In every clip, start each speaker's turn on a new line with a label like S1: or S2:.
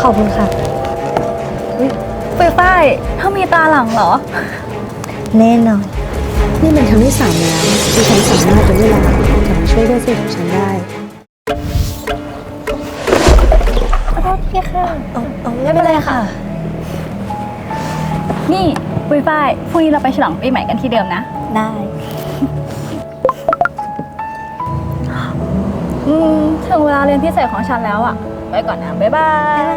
S1: อบคุณค่ะ
S2: ฝ้ายเธอมีตาหลังเหรอ
S1: แน่นอนนี่เป็นครั้งที่3แล้วที่ฉันสามารถย้อนเวลากลับมาช่วยเพื่อนสนิทของฉันได้
S2: ขอโทษทีค่ะ
S1: ไม่เป็นไรค่ะ
S2: นี่ฝ้ายพรุ่งนี้เราไปฉลองปีใหม่กันที่เดิมนะ
S1: ได้
S2: ถึงเวลาเรียนพิเศษของฉันแล้วอะไปก่อนนะ บ๊ายบาย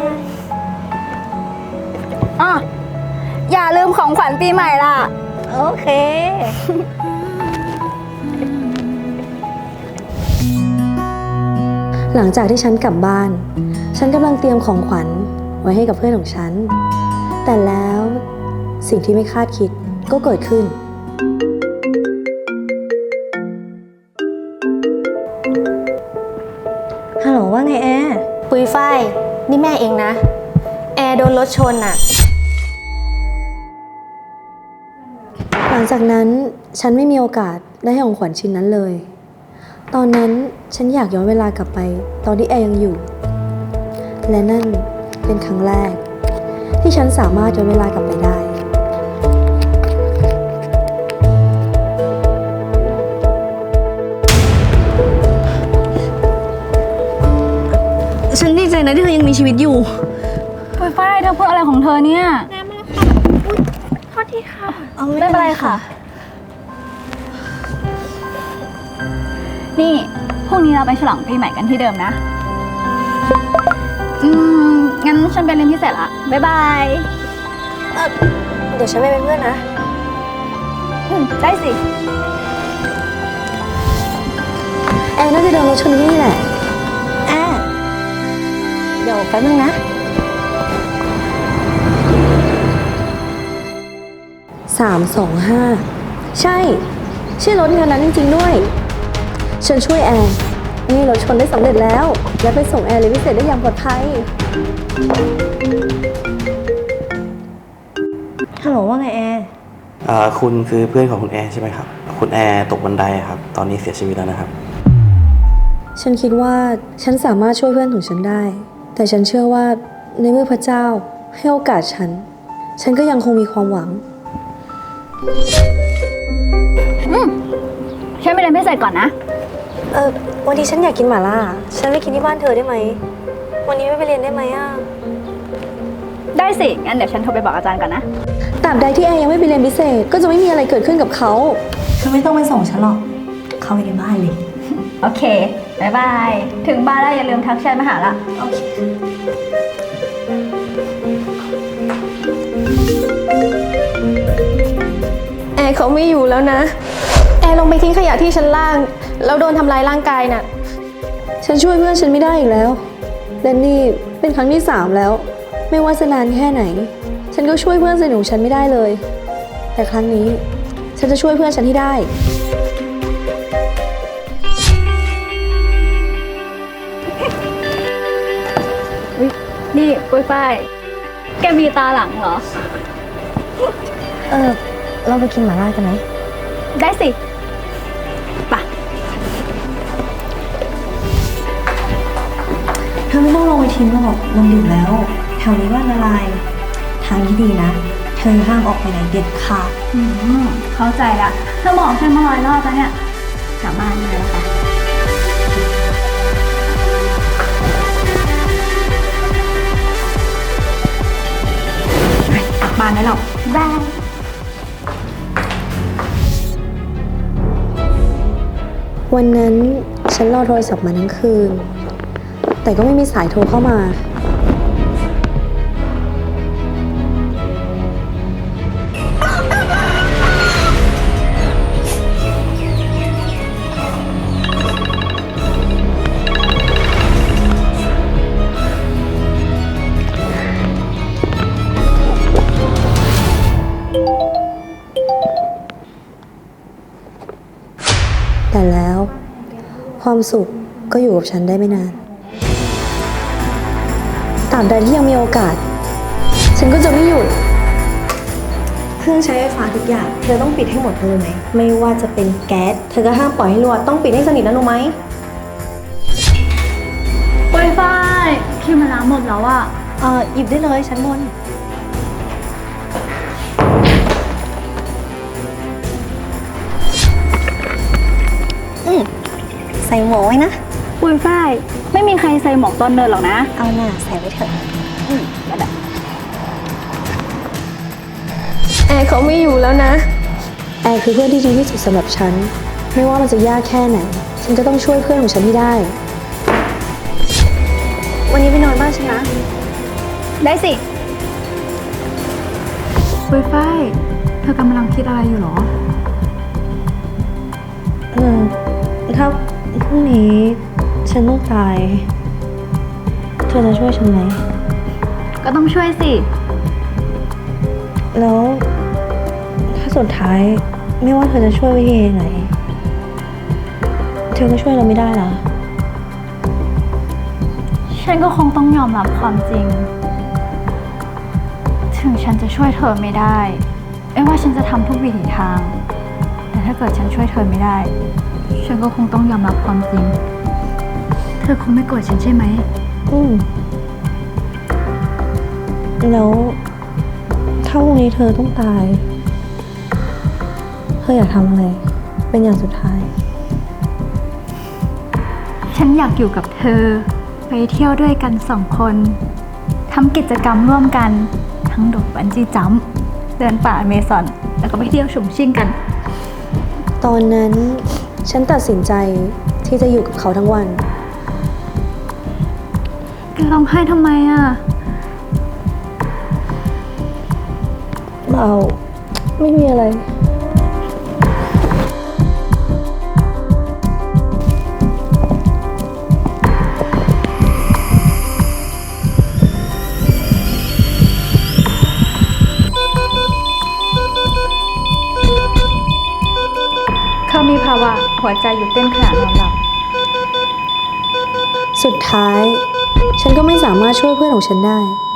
S2: อ่ะอย่าลืมของขวัญปีใหม่ล่ะ
S1: โอเค หลังจากที่ฉันกลับบ้าน ฉันกำลังเตรียมของขวัญไว้ให้กับเพื่อนของฉัน แต่แล้วสิ่งที่ไม่คาดคิดก็เกิดขึ้น ฮัลโหลว่าไงแอร์
S3: ปุยฝ้ายนี่แม่เองนะ แอร์โดนรถชนอ่ะ
S1: หลังจากนั้นฉันไม่มีโอกาสได้ให้ของขวัญชิ้นนั้นเลย ตอนนั้นฉันอยากย้อนเวลากลับไปตอนที่แอร์ยังอยู่ และนั่นเป็นครั้งแรกที่ฉันสามารถย้อนเวลากลับไปได้ ฉันดีใจนะที่เธอยังมีชีวิตอยู่
S2: ฝ้ายเธอพูดอะไรของเธอเนี่ย
S3: โทษทีค่ะ
S2: ไม่เป็นไรค่ะ นี่พรุ่งนี้เราไปฉลองปีใหม่กันที่เดิมนะ งั้นฉันไปเรียนพิเศษละ บ๊ายบาย
S1: เดี๋ยวฉันไปเป็นเพื่อนนะ
S2: ได้สิ
S1: แอร์น่าจะโดนรถชนที่นี่แหละแอร์เดี๋ยวแป๊บนึงนะ325ใช่รถคันนั้นจริงๆด้วย ฉันช่วยแอร์นี่รถชนได้สำเร็จแล้ว และไปส่งแอร์เลยนพิเศษได้อย่างปลอดภัย ฮัลโหลว่าไงแอร์
S4: คุณคือเพื่อนของคุณแอร์ใช่ไหมครับ คุณแอร์ตกบันไดครับ ตอนนี้เสียชีวิตแล้วนะครับ
S1: ฉันคิดว่าฉันสามารถช่วยเพื่อนของฉันได้ แต่ฉันเชื่อว่าในเมื่อพระเจ้าให้โอกาสฉันก็ยังคงมีความหวัง
S2: ฉันไปเรียนพิเศษก่อนนะ
S1: วันนี้ฉันอยากกินหม่าล่า ฉันไปกินที่บ้านเธอได้ไหม วันนี้ไม่ไปเรียนได้ไหมอ่ะ
S2: ได้สิ งั้นเดี๋ยวฉันโทรไปบอกอาจารย์ก่อนนะ
S1: ตราบใดที่แอร์ยังไม่ไปเรียนพิเศษ ก็จะไม่มีอะไรเกิดขึ้นกับเขาเธอไม่ต้องไปส่งฉันหรอก เข้าไปในบ้านเลย
S2: โอเค บ๊ายบาย ถึงบ้านแล้วอย่าลืมทักแชทมาหาละ
S1: โอเค
S3: แอร์เขาไม่อยู่แล้วนะ แอร์ลงไปทิ้งขยะที่ชั้นล่าง แล้วโดนทำร้ายร่างกายน่ะ
S1: ฉันช่วยเพื่อนฉันไม่ได้อีกแล้ว และนี่เป็นครั้งที่3แล้ว ไม่ว่าจะนานแค่ไหน ฉันก็ช่วยเพื่อนสนิทของฉันไม่ได้เลย แต่ครั้งนี้ฉันจะช่วยเพื่อนฉันให้ได้
S2: นี่ฝ้าย แกมีตาหลังเหรอ
S1: เราไปกินหม่าล่ากันไหม
S2: ได้สิไป
S1: เธอไม่ต้องลงไปทิ้งหรอกมันดึกแล้ว แถวนี้ว่าละลาย ทางที่ดีนะ เธอห้ามออกไปไหนเด็ดขาด
S2: เข้าใจละเธอบอกฉันมา100 รอบแล้วเนี่ย กลับบ้านเลยแล้วค่ะกลับบ้านได้หรอกบ๊ายบาย
S1: วันนั้นฉันรอโทรศัพท์มาทั้งคืน แต่ก็ไม่มีสายโทรเข้ามา แต่แล้วความสุขก็อยู่กับฉันได้ไม่นานตราบใดที่ยังมีโอกาส ฉันก็จะไม่หยุด เครื่องใช้ไฟฟ้าทุกอย่าง เธอต้องปิดให้หมดเลยไหม ไม่ว่าจะเป็นแก๊ส เธอก็ห้ามปล่อยให้รั่ว ต้องปิดให้สนิทนะรู้ไหม
S2: ฝ้ายคิวมันล้างหมดแล้วอะ
S1: หยิบได้เลยชั้นบน
S5: ใส่หมวกไว้นะ
S2: ปุยฝ้ายไม่มีใครใส่หมวกตอนเดินหรอกนะ
S5: เอาหน้าใส่ไว้เถอะ
S2: ก็ได้
S3: แอร์เขาไม่อยู่แล้วนะ
S1: แอร์คือเพื่อนที่ดีที่สุดสำหรับฉัน ไม่ว่ามันจะยากแค่ไหน ฉันก็ต้องช่วยเพื่อนของฉันให้ได้ วันนี้ไปนอนบ้านฉันนะ
S2: ได้สิปุยฝ้ายเธอกำลังคิดอะไรอยู่หรอ
S1: ถ้าพรุ่งนี้ฉันต้องตาย เธอจะช่วยฉันไหม
S2: ก็ต้องช่วยสิ
S1: แล้วถ้าสุดท้ายไม่ว่าเธอจะช่วยวิธีไหน เธอก็ช่วยเราไม่ได้ล่ะ
S2: ฉันก็คงต้องยอมรับความจริง ถึงฉันจะช่วยเธอไม่ได้ ไม่ว่าฉันจะทำทุกวิถีทาง แต่ถ้าเกิดฉันช่วยเธอไม่ได้ ฉันก็คงต้องยอมรับความจริง เธอคงไม่โกรธฉันใช่ไหม
S1: แล้วถ้าพรุ่งนี้เธอต้องตาย เธออยากทำอะไร เป็นอย่างสุดท้าย
S2: ฉันอยากอยู่กับเธอ ไปเที่ยวด้วยกัน2 คนทำกิจกรรมร่วมกัน ทั้งโดดบันจี้จัมป์เดินป่าอเมซอน แล้วก็ไปเที่ยวชุ่มชิ่งกัน
S1: ตอนนั้นฉันตัดสินใจที่จะอยู่กับเขาทั้งวัน
S2: แกร้องไห้ทำไมอ่ะ
S1: ไม่มีอะไร
S2: เขามีภาวะหัวใจหยุดเต้นขณะนอนหลับ
S1: สุดท้าย ฉันก็ไม่สามารถช่วยเพื่อนของฉันได้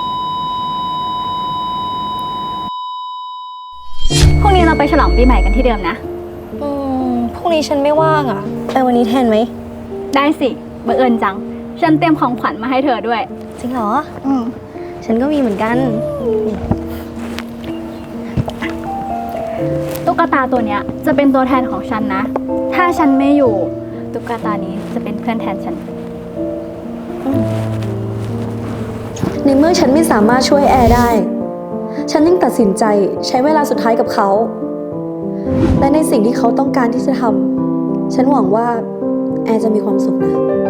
S2: พรุ่งนี้เราไปฉลองปีใหม่กันที่เดิมนะ
S5: พรุ่งนี้ฉันไม่ว่างอ่ะ ไปวันนี้แทนไหม
S2: ได้สิบังเอิญจัง ฉันเตรียมของขวัญมาให้เธอด้วย
S5: จริงเหรอ
S2: อืม
S5: ฉันก็มีเหมือนกัน
S2: ตุ๊กตาตัวเนี้ยจะเป็นตัวแทนของฉันนะ ถ้าฉันไม่อยู่ตุ๊กตานี้จะเป็นเพื่อนแทนฉัน
S1: ในเมื่อฉันไม่สามารถช่วยแอร์ได้ ฉันยิ่งตัดสินใจใช้เวลาสุดท้ายกับเขา และในสิ่งที่เขาต้องการที่จะทำ ฉันหวังว่าแอร์จะมีความสุขนะ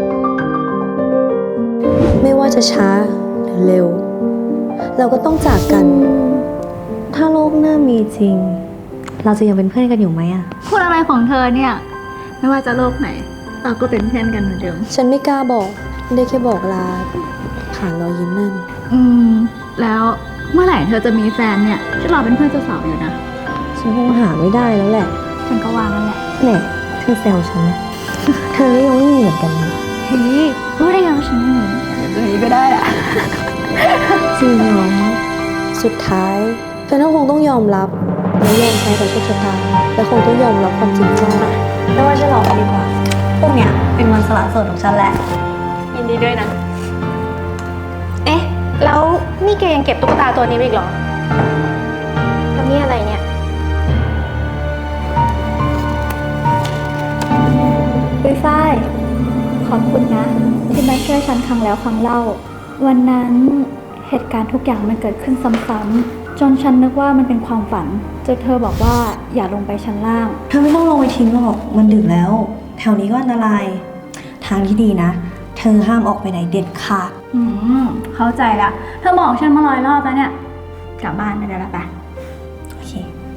S1: ไม่ว่าจะช้าหรือเร็ว เราก็ต้องจากกัน ถ้าโลกหน้ามีจริง เราจะยังเป็นเพื่อนกันอยู่ไหมอะ
S2: พูดอะไรของเธอเนี่ย ไม่ว่าจะโลกไหน เราก็เป็นเพื่อนกันเหมือนเดิม
S1: ฉันไม่กล้าบอก ได้แค่บอกลาผ่านรอยยิ้มนั่น
S2: แล้วเมื่อไหร่เธอจะมีแฟนเนี่ยฉันรอเป็นเพื่อนเจ้าสาวอยู่นะ
S1: ฉันคงหาไม่ได้แล้วแหละ
S2: ฉันก็วางนั่นแหละ
S1: แหน่เธอแซวฉันนะ เธอก็ยังไม่มีเหมือนกันนะ
S2: เฮ้ยรู้ได้ไงว่าฉันไม่เหมือนตัวนี้ก็ได้อะ
S1: จริงเหรอสุดท้ายเธอคงต้องยอมรับและยอมแพ้ต่อโชคชะตาและคงต้องยอมรับความจริงใจไม่ว่าจะหลอกกันดีกว่า พวกเนี้ยเป็นวันสละโสดของฉันแหละ
S2: ยินดีด้วยนะ
S3: เอ๊ะ แล้วนี่แกยังเก็บตุ๊กตาตัวนี้ไว้อีกเหรอ แล้วนี่อะไรเนี่ย
S2: ปุ้ยฝ้ายขอบคุณนะ ที่มาช่วยฉันครั้งแล้วครั้งเล่า วันนั้นเหตุการณ์ทุกอย่างมันเกิดขึ้นซ้ำๆจนฉันนึกว่ามันเป็นความฝันจนเธอบอกว่าอย่าลงไปชั้นล่าง
S1: เธอไม่ต้องลงไปทิ้งหรอก มันดึกแล้ว แถวนี้ก็อันตราย ทางที่ดีนะ เธอห้ามออกไปไหนเด็ดขาด
S2: เข้าใจละเธอบอกฉันมา100 รอบแล้วเนี่ย กลับบ้านไปได้ละปะ
S1: โอเค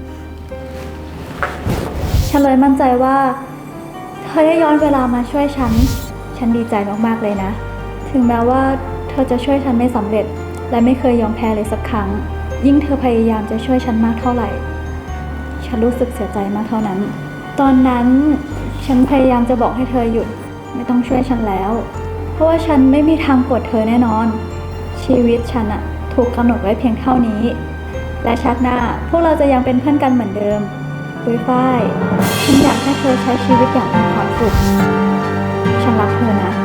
S2: ฉันเลยมั่นใจว่าเธอได้ย้อนเวลามาช่วยฉัน ฉันดีใจมากๆเลยนะ ถึงแม้ว่าเธอจะช่วยฉันไม่สำเร็จ และไม่เคยยอมแพ้เลยสักครั้ง ยิ่งเธอพยายามจะช่วยฉันมากเท่าไหร่ ฉันรู้สึกเสียใจมากเท่านั้น ตอนนั้นฉันพยายามจะบอกให้เธอหยุด ไม่ต้องช่วยฉันแล้ว เพราะว่าฉันไม่มีทางกดเธอแน่นอน ชีวิตฉันอะถูกกำหนดไว้เพียงเท่านี้ และชาติหน้าพวกเราจะยังเป็นเพื่อนกันเหมือนเดิมปุ้ยฝ้ายฉันอยากให้เธอใช้ชีวิตอย่างมีความสุข ฉันรักเธอนะ